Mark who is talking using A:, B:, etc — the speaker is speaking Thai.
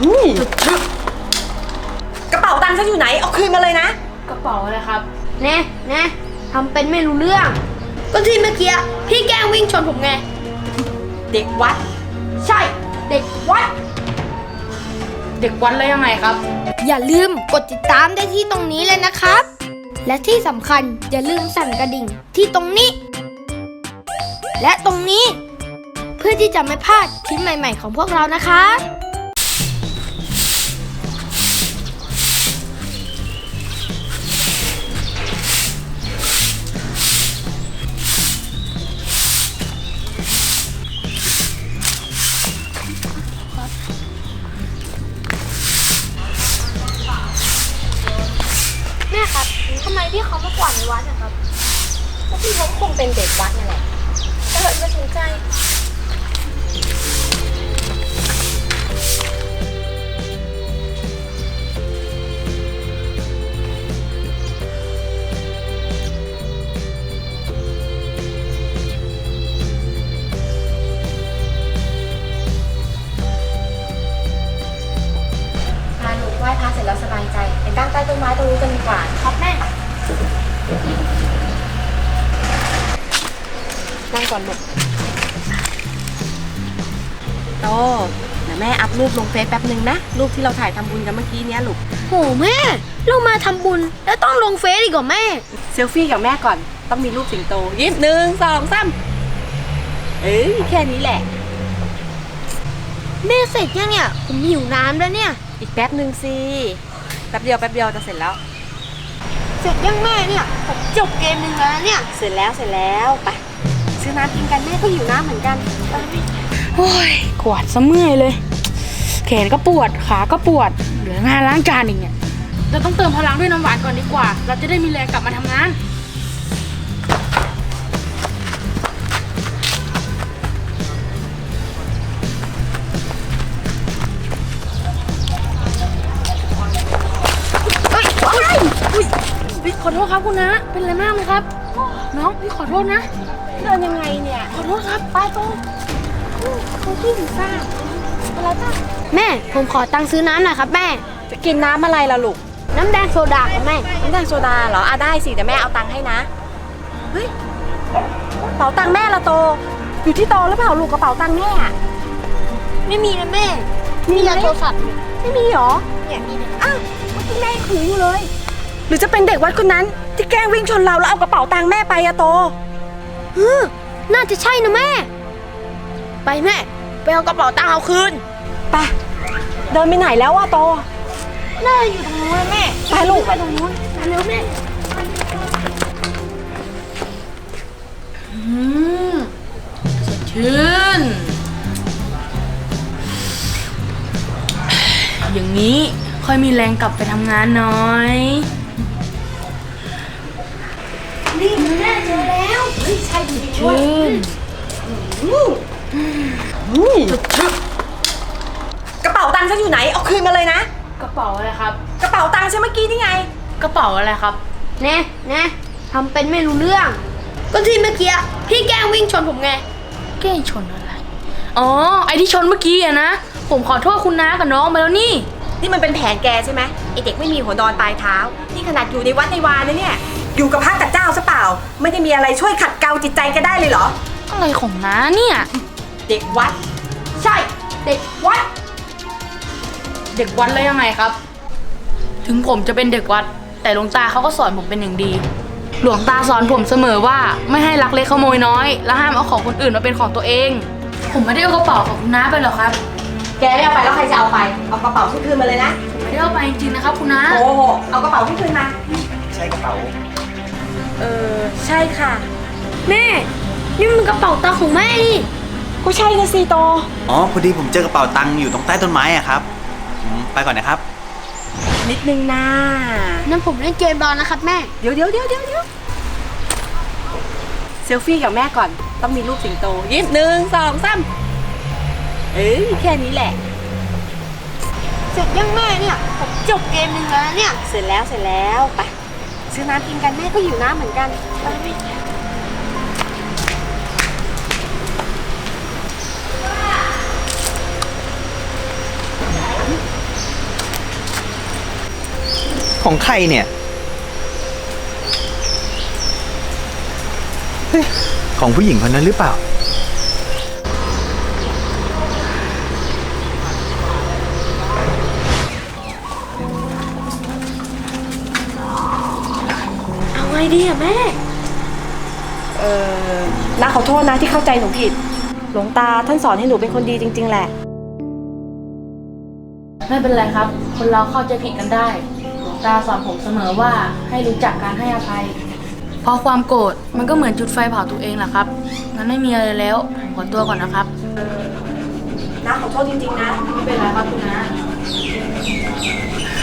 A: กระเป๋าตังค์ฉันอยู่ไหนเอาคืนมาเลยนะ
B: กระเป๋าอะไรครับ
C: แน่ทำเป็นไม่รู้เรื่องก็ที่เมื่อกี้พี่แกล้งวิ่งชนผมไง
A: เด็กวัด
C: ใช่เด็กวัด
B: เด็กวัดแล้วยังไงครับ
C: อย่าลืมกดติดตามได้ที่ตรงนี้เลยนะครับและที่สำคัญอย่าลืมสั่นกระดิ่งที่ตรงนี้และตรงนี้เพื่อที่จะไม่พลาดคลิปใหม่ๆของพวกเรานะคะแม่ครับทำไมพี่เขามากวาดในวัดนะครับ
A: ก็พี่เขาคงเป็นเด็กวัดนั่นแหละไม่สนใจพาหนูไหว้พระเสร็จแล้วสบายใจไปตั้งใต้ต้นไม้ตรงนี้กันดีกว่า
C: ครับแม่
A: นั่งก่อนลูกโตเดี๋ยวแม่อัพรูปลงเฟซแป๊บนึงนะรูปที่เราถ่ายทำบุญกันเมื่อกี้เนี้ยลูก
C: โหแม่เรามาทำบุญแล้วต้องลงเฟซอีกเหรอแม่
A: เซลฟี่กับแม่ก่อนต้องมีรูปสิงโตยิ้ม1 2 3แค่นี้แหละ
C: แม่เสร็จยังเนี่ยผมหิวน้ำแล้วเนี่ย
A: อีกแป๊บนึงสิแป๊บเดียวจะเสร็จแล้ว
C: เสร็จยังแม่เนี่ยผมจบเกมนึงแล้วเนี่ย
A: เสร็จแล้วไปซื้อน้ำกินกันแม่ก็หิวน้ำเหมือนกัน
B: โอ้ยกวาดซะเมื่อยเลยแขนก็ปวดขาก็ปวดเหลืองานล้างจานอีกเนี่ยเราต้องเติมพลังด้วยน้ำหวานก่อนดีกว่าเราจะได้มีแรงกลับมาทำงานขอโทษครับคุณนะเป็นอะไรมากไหมครับน้องพี่ขอโทษนะ
A: เดินยังไงเนี่ย
B: ขอโทษครับ
A: ไปโตเขาที่ถึงซ่าอะไรป่ะ
C: แม่ผมขอตังค์ซื้อน้ำหน่อยครับแม่
A: จะกินน้ำอะไรล่ะลูก
C: น้ำแดงโซดาครับแม่
A: น้ำแดงโซดาเหรอได้สิแต่แม่เอาตังค์ให้นะเฮ้ยกระเป๋าตังค์แม่ละโตอยู่ที่โตหรือเปล่าลูกกระเป๋าตังค์แม่
C: ไม่มีนะแม่มีแต่โทรศัพท์
A: ไม่มีหรอ
C: เนี่ยมี
A: อ้าวเมื่อกี้แม่ถืออยู่เลยหรือจะเป็นเด็กวัดคนนั้นที่แกล้งวิ่งชนเราแล้วเอากระเป๋าตังค์แม่ไปอะโต
C: น่าจะใช่นะแม่ไปแม่ไปเอากระเป๋าตังค์เอาคืน
A: ไปเดินไปไหนแล้วอะโต
C: น่าอยู่ตรงนู้นแม่
A: ไปลูก
C: ไปตรงนู้นไปเร็วแม่
B: สดชื่นอย่างนี้ค่อยมีแรงกลับไปทำงานหน่อย
C: นี่แม่เจอแล้วใช่จริงด้วย
A: กระเป๋าตังค์ฉันอยู่ไหนเอาคืนมาเลยนะ
B: กระเป๋าอะไรครับ
A: กระเป๋าตังค์ฉันเมื่อกี้นี่ไง
B: กระเป๋าอะไรครับ
C: แน่ทำเป็นไม่รู้เรื่องก็ที่เมื่อกี้พี่แกล้งวิ่งชนผมไง
B: แกล้งชนอะไรอ๋อไอที่ชนเมื่อกี้อะนะผมขอโทษคุณน้ากับน้องไปแล้วนี่
A: มันเป็นแผนแกใช่ไหมไอเด็กไม่มีหัวนอนปลายเท้านี่ขนาดอยู่ในวัดในวานะเนี่ยอยู่กับพระกับเจ้าซะเปล่าไม่ได้มีอะไรช่วยขัดเกลาจิตใจแกได้เลยเหรอ
B: อะไรของน้าเนี่ย
A: เด็กวัด
C: ใช่เด็กวัด
B: เด็กวัดแล้วยังไงครับถึงผมจะเป็นเด็กวัดแต่หลวงตาเขาก็สอนผมเป็นอย่างดีหลวงตาสอนผมเสมอว่าไม่ให้ลักเล็กขโมยน้อยและห้ามเอาของคนอื่นมาเป็นของตัวเองผมไม่ได้เอากระเป๋าของคุณน้าไปหรอกครับ
A: แกไม่เอาไปแล้วใครจะเอาไปเอากระเป๋าที่คืนมาเลยนะ
B: ไม่ได้เอาไปจริงๆนะครับคุณน้า
A: โอ้โหเอากระเป๋าที่คืนมา
D: ใช่กระเป๋า
A: ใช่ค่ะ
C: แม่นี่มันกระเป๋าตังค์ของแม่นี่
A: ก็ใช่นะซีโต
D: อ๋อพอดีผมเจอกระเป๋าตังค์อยู่ตรงใต้ต้นไม้อะครับไปก่อนนะครับ
A: นิดนึงนะ
C: นั่นผมเล่นเกมรอนะครับแม่
A: เดี๋ยวเซลฟี่กับแม่ก่อนต้องมีรูปสิงโตยิ้ม1 2 3แค่นี้แหละ
C: เสร็จยังแม่เนี่ยผมจบเกมนึงแล้วเนี่ย
A: เสร็จแล้วไปซื้อน้ำกินกันแม่ก็หิวน้ำเหมือนกันไป
D: ของใครเนี่ยเฮ้ยของผู้หญิงคนนั้นหรือเปล่า
A: เอาไงดีอะแม่ น้าขอโทษนะที่เข้าใจหนูผิด หลวงตาท่านสอนให้หนูเป็นคนดีจริง ๆ แหละ
B: ไม่เป็นไรครับ คนเราเข้าใจผิดกันได้ หลวงตาสอนผมเสมอว่าให้รู้จักการให้อภัย เพราะความโกรธมันก็เหมือนจุดไฟเผาตัวเองแหละครับ งั้นไม่มีอะไรแล้วผมขอตัวก่อนนะครับ
A: น้าขอโทษจริงๆนะ
B: ไม่เป็นไรครับคุณน้า